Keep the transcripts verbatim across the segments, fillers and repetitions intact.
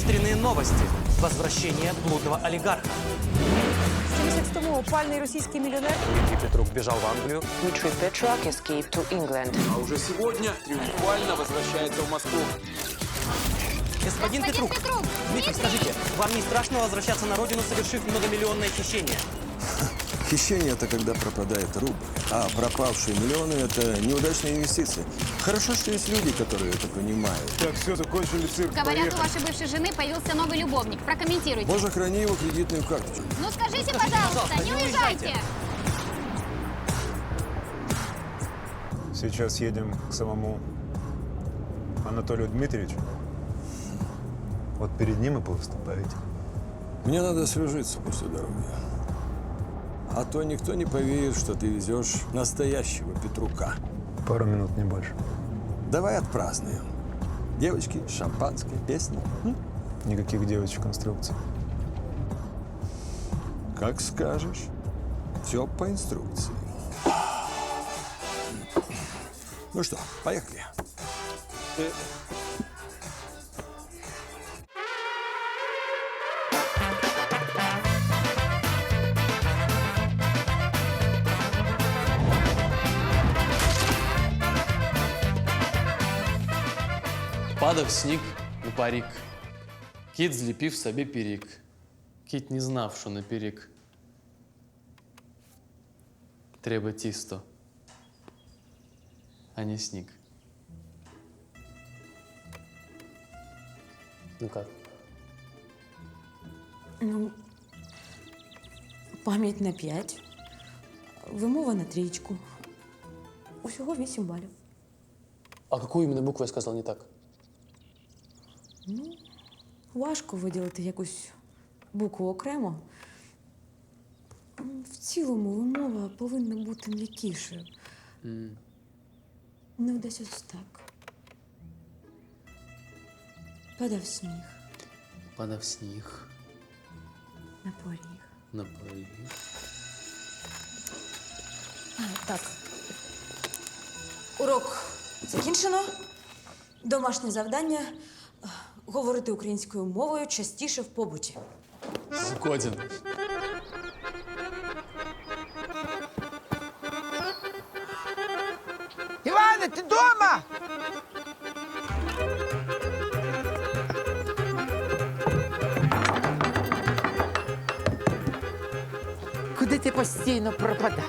Экстренные новости. Возвращение блудного олигарха. сім місяць тому опальний російський мільйонер Дмитрий Петрук бежал в Англию. Dmitry Petruk escaped to England. А уже сегодня триумфально возвращается в Москву. Господин, Петрук, Дмитрий, скажите, вам не страшно возвращаться на родину, совершив многомиллионное хищение? Хищение – это когда пропадает рубль, а пропавшие миллионы – это неудачные инвестиции. Хорошо, что есть люди, которые это понимают. Так, все, закончили цирк, Говорят, поехали. у вашей бывшей жены появился новый любовник. Прокомментируйте. Боже, храни его кредитную карточку. Ну скажите, Скажите, пожалуйста, пожалуйста, не не уезжайте. уезжайте. Сейчас едем к самому Анатолию Дмитриевичу. Вот перед ним и повыступаете. Мне надо освежиться после дороги. А то никто не поверит, что ты везешь настоящего Петрука. Пару минут, не больше. Давай отпразднуем. Девочки, шампанское, песни. М? Никаких девочек инструкций. Как скажешь. Все по инструкции. Ну что, поехали. Падав сніг на парік, кіт зліпив собі пірік. Кіт не знав, що на пірік треба тісто, а не сніг. Ну как? Ну, пам'ять на п'ять, вимова на трієчку. Усього вісім балів. А какую именно букву я сказал не так? Важко виділити якусь букву окремо. В цілому вимова повинна бути м'якішою. Не десь ось так. Падав сніг Падав сніг на поріг. на поріг. А, так. Урок закінчено. Домашнє завдання – говорити українською мовою частіше в побуті. Згоден. Іване, ти дома? Куди ти постійно пропадаєш?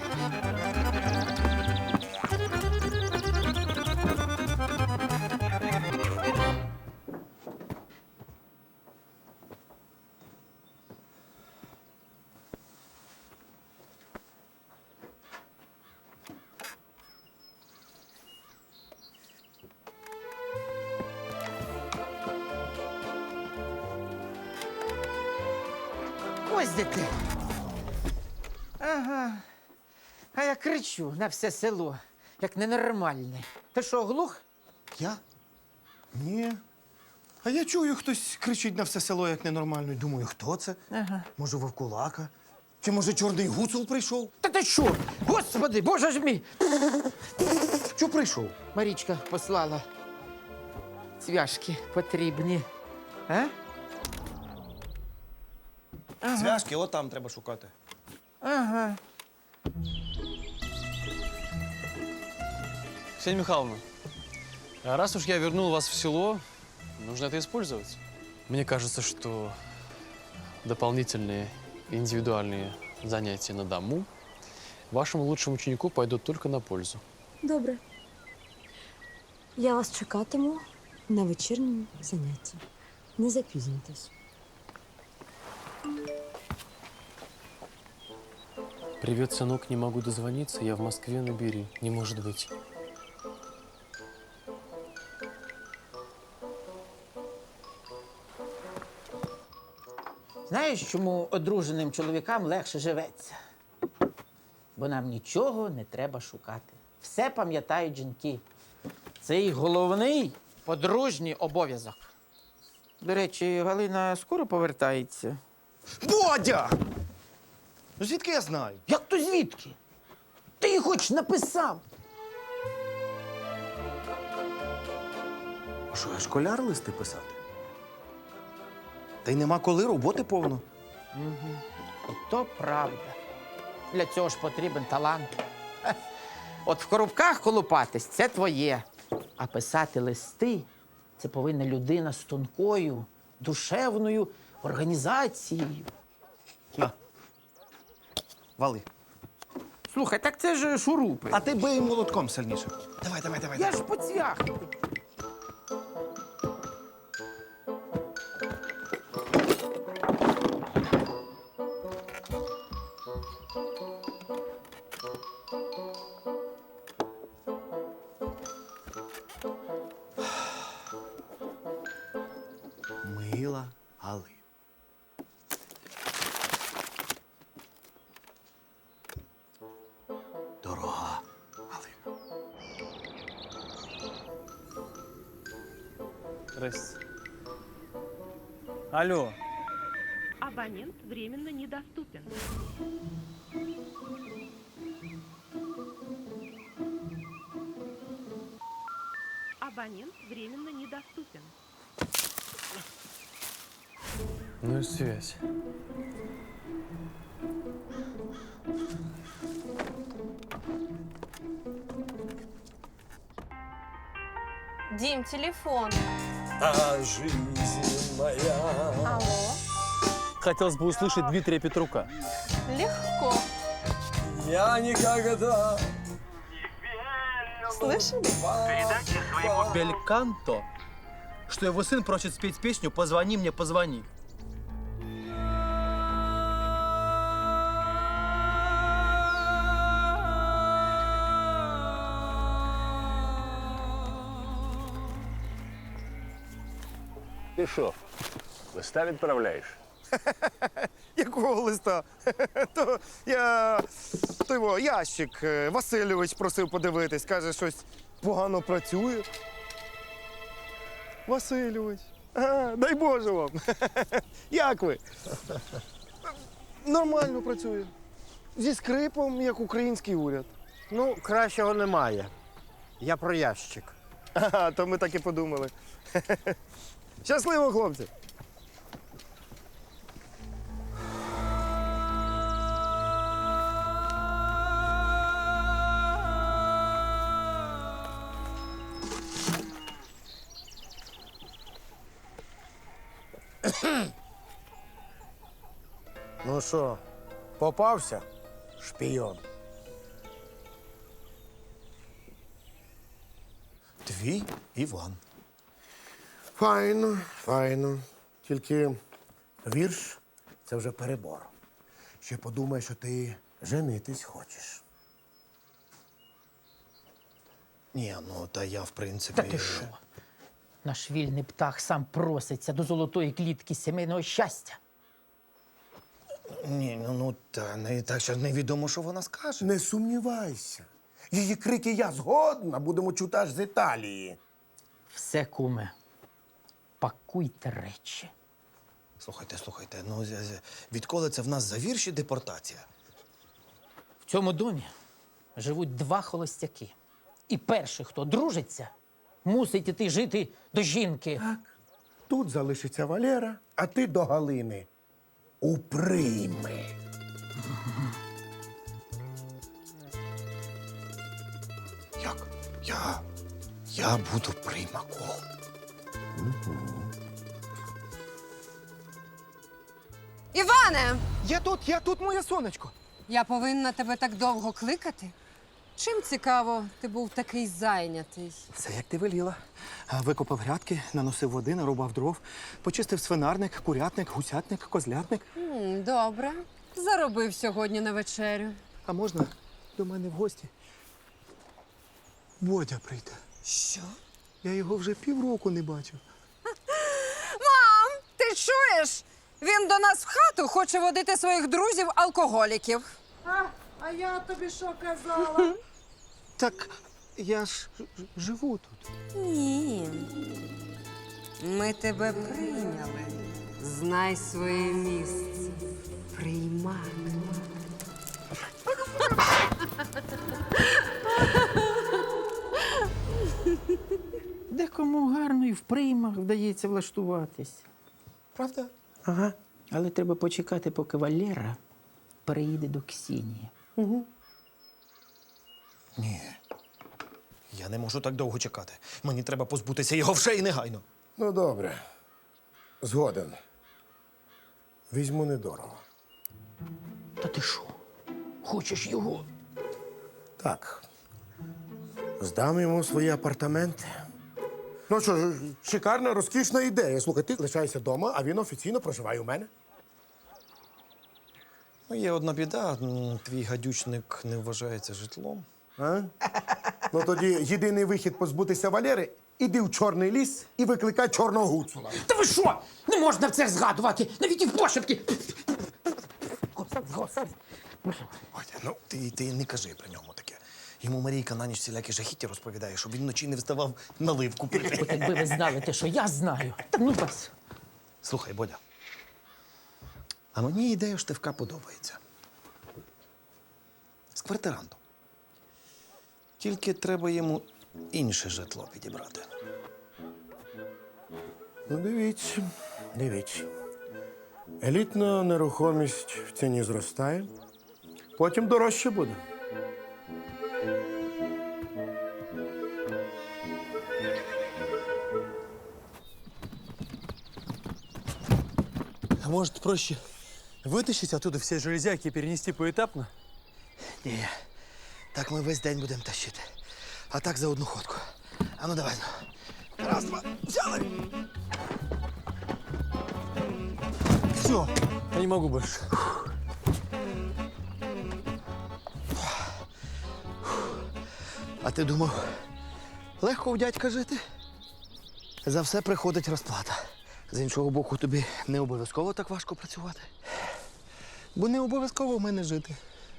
Ось де ти. Ага. А я кричу на все село, як ненормальне. Ти що, глух? Я? Ні. А я чую, хтось кричить на все село, як ненормально. І думаю, хто це? Ага. Може, вовкулака? Чи може чорний гуцул прийшов? Та ти що? Господи, боже ж мій! Що прийшов? Марічка послала. Цвяшки потрібні. А? Зв'язки, от там треба шукати. Ага. Ксения Михайловна, а раз уж я вернул вас в село, нужно это использовать. Мне кажется, что дополнительные индивидуальные занятия на дому вашему лучшему ученику пойдут только на пользу. Добре. Я вас чекатиму на вечірньому занятті. Не запізнюйтесь. Привет, сынок, не могу дозвониться, я в Москве, набери. Не может быть. Знаєш, чому одруженим чоловікам легше живеться? Бо нам нічого не треба шукати. Все пам'ятають жінки. Це їх головний подружній обов'язок. До речі, Галина скоро повертається. Бодя! Ну звідки я знаю? Як то звідки? Ти їй хоч написав. А що, я школяр листи писати? Та й нема коли, роботи повно. То правда. Для цього ж потрібен талант. Хе. От в коробках колупатись це твоє. А писати листи це повинна людина з тонкою, душевною організацією. На. Вали. Слухай, так це ж шурупи. А ти бий молотком сильніше. Давай, давай, давай. Я ж по цвях. Мила Галина. Дорога Галина. Здрасте. Алло. Абонент временно недоступен. Абонент временно недоступен. Ну и связь. Дим, телефон. А жизнь моя. Алло. Хотелось бы услышать Дмитрия Петрука. Легко. Я никогда. Слышали? Бельканто, что его сын просит спеть песню «Позвони мне, позвони». Ти що, листа відправляєш? Якого листа? То я той во, ящик е, Васильович просив подивитись, каже, щось погано працює. Васильович. А, дай Боже вам. Як ви? Нормально працює. Зі скрипом, як український уряд. Ну, кращого немає. Я про ящик. Ага, то ми так і подумали. Щасливо, хлопці! Ну що, попався? Шпійон. Твій Іван. Файно, файно. Тільки вірш – це вже перебор. Ще подумай, що ти женитись хочеш. Ні, ну та я в принципі. Та ти що? Наш вільний птах сам проситься до золотої клітки сімейного щастя. Ні, ну, ну та не так, що невідомо, що вона скаже. Не сумнівайся. Її крики «Я згодна» будемо чути аж з Італії. Все, куме, пакуйте речі. Слухайте, слухайте, ну з- з- відколи це в нас за вірші депортація? В цьому домі живуть два холостяки. І перший, хто дружиться, мусить іти жити до жінки. Так. Тут залишиться Валера, а ти до Галини. У прийми. Як? Я. Я буду приймаком. Іване! Я тут, я тут, моє сонечко. Я повинна тебе так довго кликати? Чим цікаво, ти був такий зайнятий? Все, як ти веліла. А, Викопав грядки, наносив води, нарубав дров, почистив свинарник, курятник, гусятник, козлятник. М, добре. Заробив сьогодні на вечерю. А можна до мене в гості? Бодя прийде. Що? Я його вже півроку не бачив. Мам, ти чуєш? Він до нас в хату хоче водити своїх друзів-алкоголіків. А я тобі що казала? Так я ж ж- живу тут. Ні. Ми тебе прийняли. Знай своє місце. Приймай. Декому гарно і в приймах вдається влаштуватись. Правда? Ага. Але треба почекати, поки Валера переїде до Ксенії. Угу. Ні. Я не можу так довго чекати. Мені треба позбутися його вже і негайно. Ну, добре. Згоден. Візьму недорого. Та ти що? Хочеш його? Так. Здам йому свої апартаменти. Ну що ж, шикарна, розкішна ідея. Слухай, ти лишайся вдома, а він офіційно проживає у мене. Ну, є одна біда. м, Твій гадючник не вважається житлом. А? Ну тоді єдиний вихід позбутися Валери – іди в чорний ліс і викликай чорного гуцула. Та ви що? Не можна в це згадувати! Навіть і в пошепки! Господи, господи. Бодя, ну ти, ти не кажи при ньому таке. Йому Марійка на ніч всілякі жахіття розповідає, щоб він вночі не вставав наливку пити. От якби ви знали те, що я знаю. Та ну вас. Слухай, Бодя, а мені ідея Штивка подобається. З квартирантом. Тільки треба йому інше житло підібрати. Ну, дивіться, дивіться. Елітна нерухомість в ціні зростає, потім дорожче буде. А может, проще вытащить оттуда все железяки и перенести поэтапно? Ні, так ми весь день будемо тащити. А так за одну ходку. А ну давай. ну. Раз, два, взяли. Все, я не могу больше. А ти думав, легко у дядька жити? За все приходить розплата. З іншого боку, тобі не обов'язково так важко працювати. Бо не обов'язково в мене жити.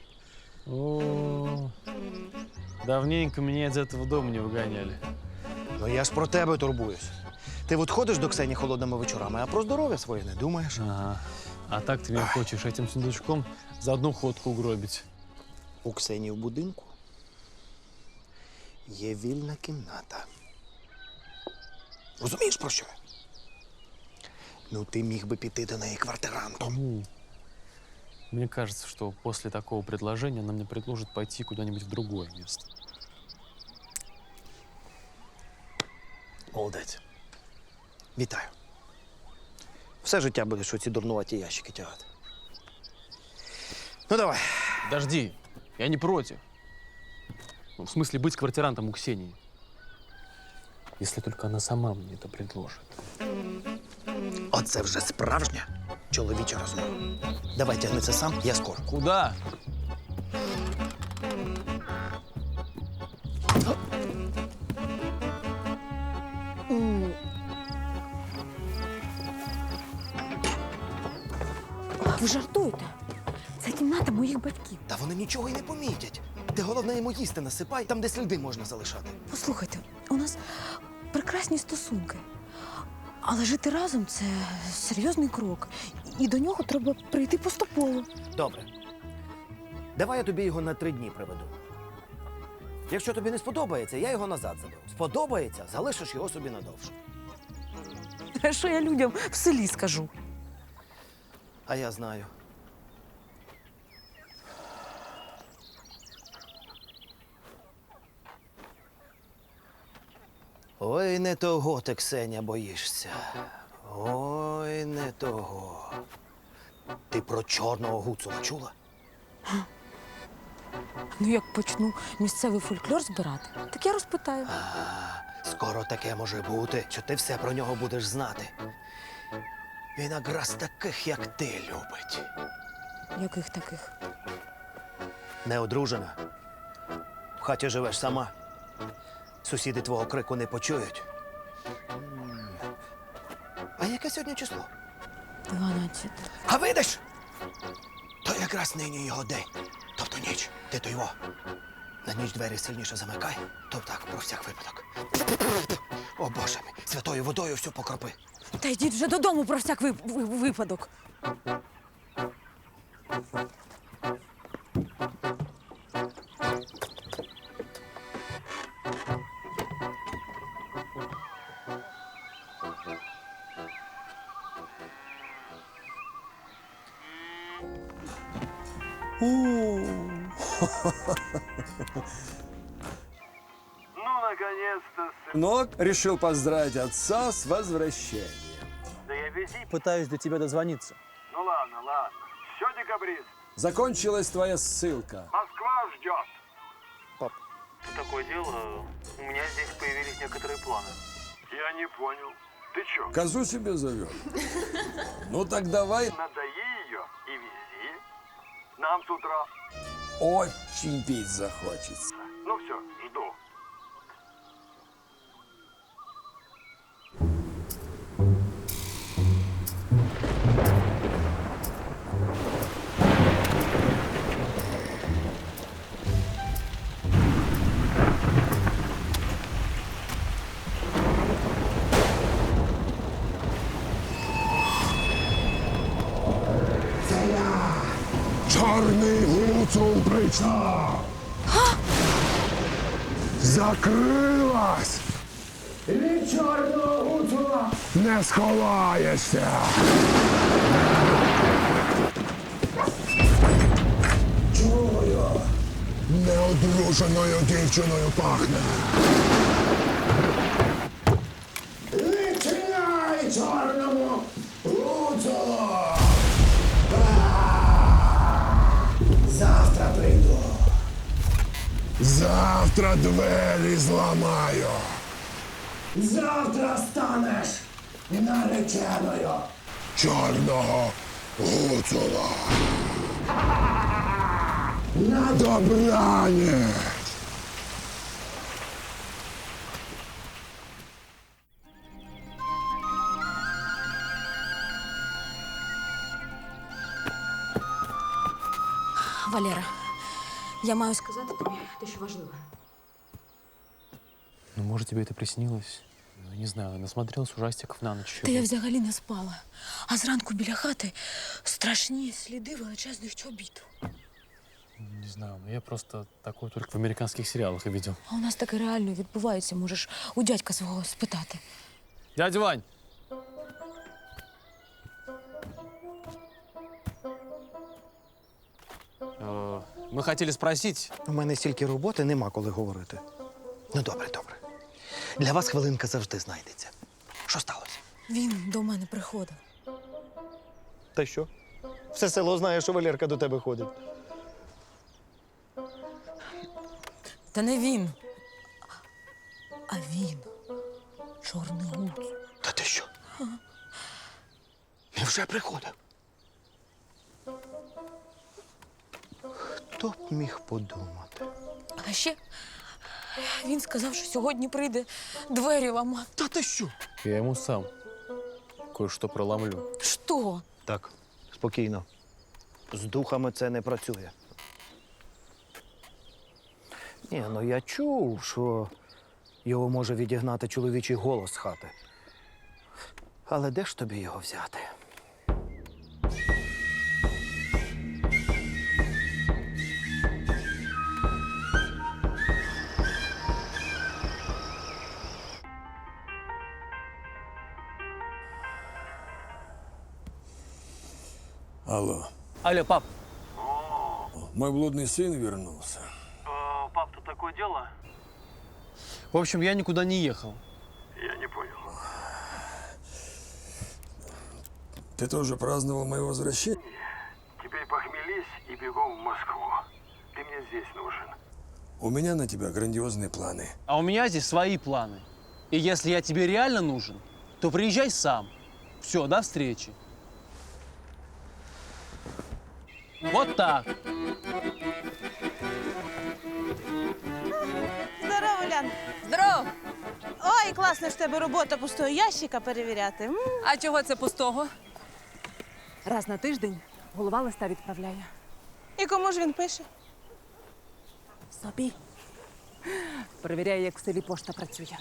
О, давненько меня из этого дома не выгоняли. Ну я ж про тебе турбуюсь. Ти от ходиш до Ксені холодними вечорами, а про здоров'я своє не думаєш. Ага. А так ты меня хочешь этим сундучком за одну ходку угробить. У Ксені в будинку є вільна кімната. Розумієш, про що? я? Ну, ти міг би піти до неї квартирантом. Ну, мне кажется, что после такого предложения она мне предложит пойти куда-нибудь в другое место. Молодець. Вітаю. Все життя будеш оці дурнуваті ящики тягати. Ну, давай. Подожди, я не против. Ну, в смысле, быть квартирантом у Ксении. Если только она сама мне это предложит. Оце вже справжня чоловіча розмова. Давай тягни це сам, я скоро. Куда? Ви жартуєте? Це кімната моїх батьків. Та вони нічого й не помітять. Ти головне йому їсти насипай, там, де сліди можна залишати. Послухайте, у нас прекрасні стосунки. Але жити разом це серйозний крок. І до нього треба прийти поступово. Добре. Давай я тобі його на три дні приведу. Якщо тобі не сподобається, я його назад заберу. Сподобається, залишиш його собі надовше. А що я людям в селі скажу? А я знаю. Ой, не того ти, Ксеня, боїшся. Ой, не того. Ти про чорного гуцула чула? Ну, як почну місцевий фольклор збирати, так я розпитаю. А, скоро таке може бути, що ти все про нього будеш знати. Він якраз таких, як ти, любить. Яких таких? Неодружена. В хаті живеш сама. Сусіди твого крику не почують. М. А яке сьогодні число? Дванадцяте. А видиш? То якраз нині його день. Тобто ніч. Ти то його. На ніч двері сильніше замикай. То так, про всяк випадок. О, Боже мій, святою водою всю покропи. Та йдіть вже додому про всяк ви- ви- випадок. Ну, наконец-то, сын. Сынок решил поздравить отца с возвращением. Да я визит. Пытаюсь до тебя дозвониться. Ну ладно, ладно. Все, декабрист. Закончилась твоя ссылка. Москва ждет. Пап. Такое дело, у меня здесь появились некоторые планы. Я не понял. Ты чё? Козу себе зовет? Ну так давай. Надои ее и вези. Нам с утра. Очень пить захочется. Ну все, жду. Чорний гуцул прийшов! Закрилась! І від чорного гуцула не сховаєшся! Чую! Неодруженою дівчиною пахне! Відчиняй чорному гуцулу! Завтра прийду. Завтра двері зламаю. Завтра станеш нареченою чорного гуцула. На добраніч. Валера, я маю сказати тобі дещо важливе. Ну, может, тебе это приснилось? Ну, не знаю, насмотрелась ужастиков на ночь. Та я взагалі не спала. А зранку біля хати страшні сліди величезних чобіт. Не знаю, ну я просто такое только в американских сериалах и видел. А у нас таке реально відбувається. Можеш у дядька свого спитати. Дядя Вань! Э, Мы хотели спросить. У мене стільки роботи, нема коли говорити. Ну, добре, добре. Для вас хвилинка завжди знайдеться. Що сталося? Він до мене приходив. Та що? Все село знає, що Валерка до тебе ходить. Та не він. А він. Чорний гуц. Та ти що? Він вже приходив. Хто б міг подумати? А ще він сказав, що сьогодні прийде двері ламати. Та ти що? Я ему сам кое-что проломлю. Що? Так, спокійно. З духами це не працює. Ні, ну я чув, що його може відігнати чоловічий голос з хати. Але де ж тобі його взяти? Алло. Алло, пап. Мой блудный сын вернулся. Э, пап, тут такое дело? В общем, я никуда не ехал. Я не понял. Ты тоже праздновал мое возвращение? Теперь похмелись и бегом в Москву. Ты мне здесь нужен. У меня на тебя грандиозные планы. А у меня здесь свои планы. И если я тебе реально нужен, то приезжай сам. Все, до встречи. Вот так. Здорово, Улян. Здоров! Ой, класно ж в тебе робота пустого ящика перевіряти. М? А чого це пустого? Раз на тиждень голова листа відправляє. І кому ж він пише? Собі. Перевіряє, як в селі пошта працює.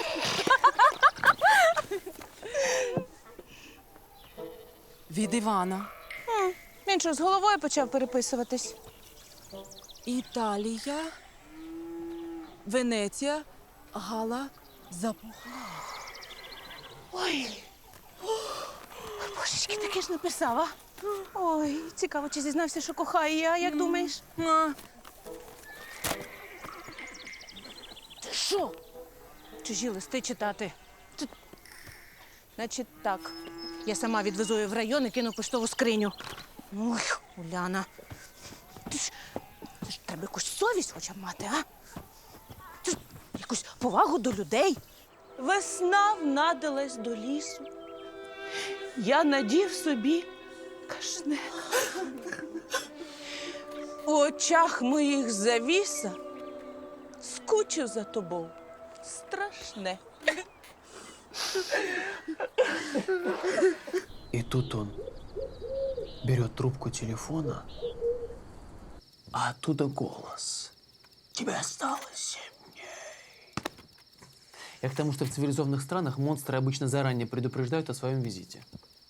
Від Івана. М, Він що, з головою почав переписуватись? Італія, Венеція, Гала, Запухла. Ой. Ой, божечки, таке ж написав, а? Ой, цікаво, чи зізнався, що кохає, а як думаєш? Ти що? Чужі листи читати. Тут... Значить так, я сама відвезу її в район і кину в поштову скриню. Ой, Уляна. Ти ж, ти ж треба якусь совість хоча б мати, а? Ти ж якусь повагу до людей. Весна внадилась до лісу. Я надів собі кашне. У очах моїх завіса скучив за тобою. Страшне. И тут он берет трубку телефона, а оттуда голос. Тебе осталось семь дней. Я к тому, что в цивилизованных странах монстры обычно заранее предупреждают о своем визите.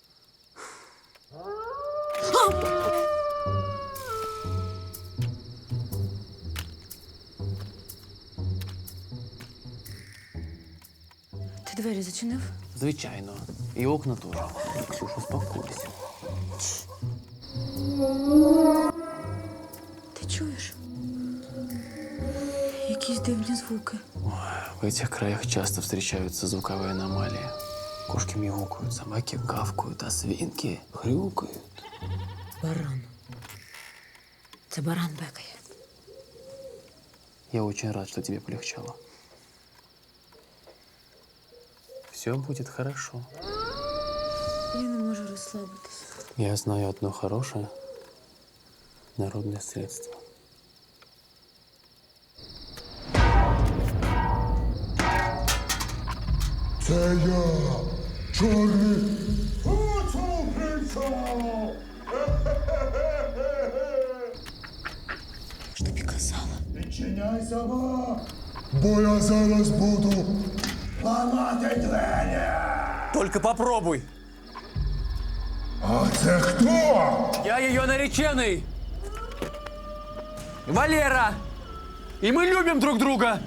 Ти двері зачинив? Звичайно. И окна тоже. Ксюша, успокойся. Ти чуєш? Якісь дивні звуки. В этих краях часто встречаются звуковые аномалии. Кошки мяукают, собаки гавкают, а свинки хрюкают. Баран. Це баран бекає. Я очень рад, что тебе полегчало. Все будет хорошо. Я не можу розслабитися. Я знаю одно хорошее народное средство. Це я, чорний гуцул прийшов! Ж тобі казала. Відчиняйся, ва, бо я зараз буду ламати двері! Только попробуй. А це хто? Я ее нареченный. Валера. И мы любим друг друга.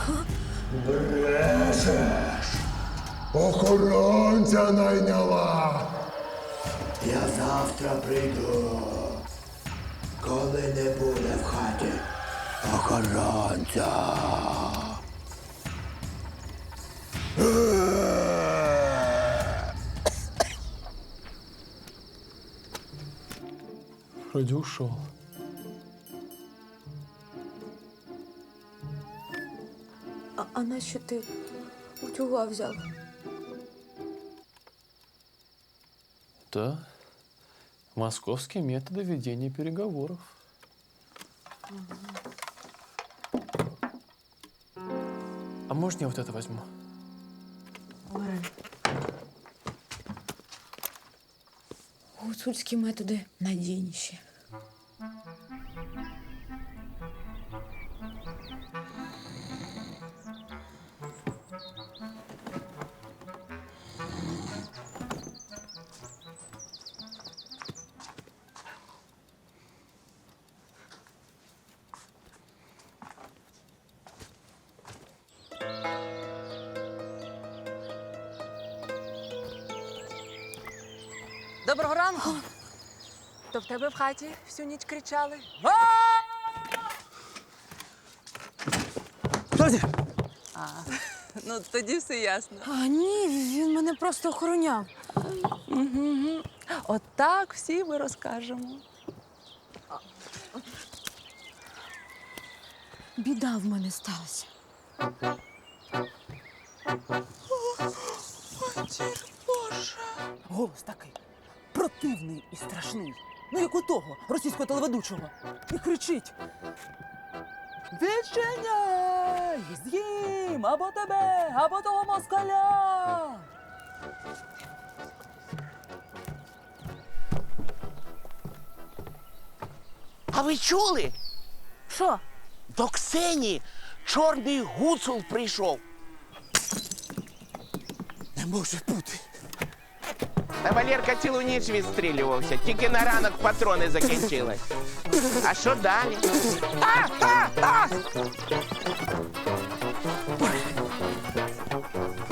Брешеш! Охоронця найняла! Я завтра прийду, коли не буде в хаті охоронця. Вроде ушел. А, а нащо ти утюга взяв? Да. Московские методы ведения переговоров. А можно я вот это возьму? Гуцульські методи надійніші. Доброго ранку. То в тебе в хаті всю ніч кричали? Стойте! А, ну тоді все ясно. А ні, він мене просто охороняв. Угу. От так всі ми розкажемо. Біда в мене сталася. Боже. Голос такий противний і страшний. Ну, як у того російського телеведучого. І кричить: відчиняй! З'їм або тебе, або того москаля! А ви чули? Що? До Ксені чорний гуцул прийшов. Не може бути. Та Валерка цілу ніч відстрілювався, тільки на ранок патрони закінчились. А що далі? А! А! А!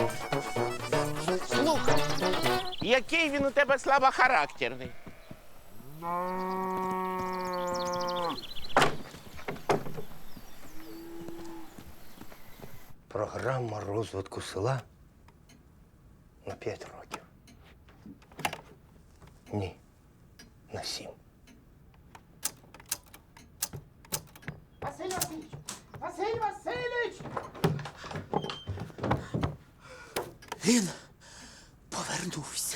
Слухай, який він у тебе слабохарактерний. Програма розвитку села на п'ять років. Ні, на сім. Василь Васильович! Василь Васильович! Він повернувся.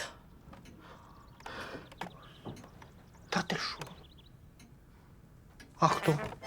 Та ти що? А хто?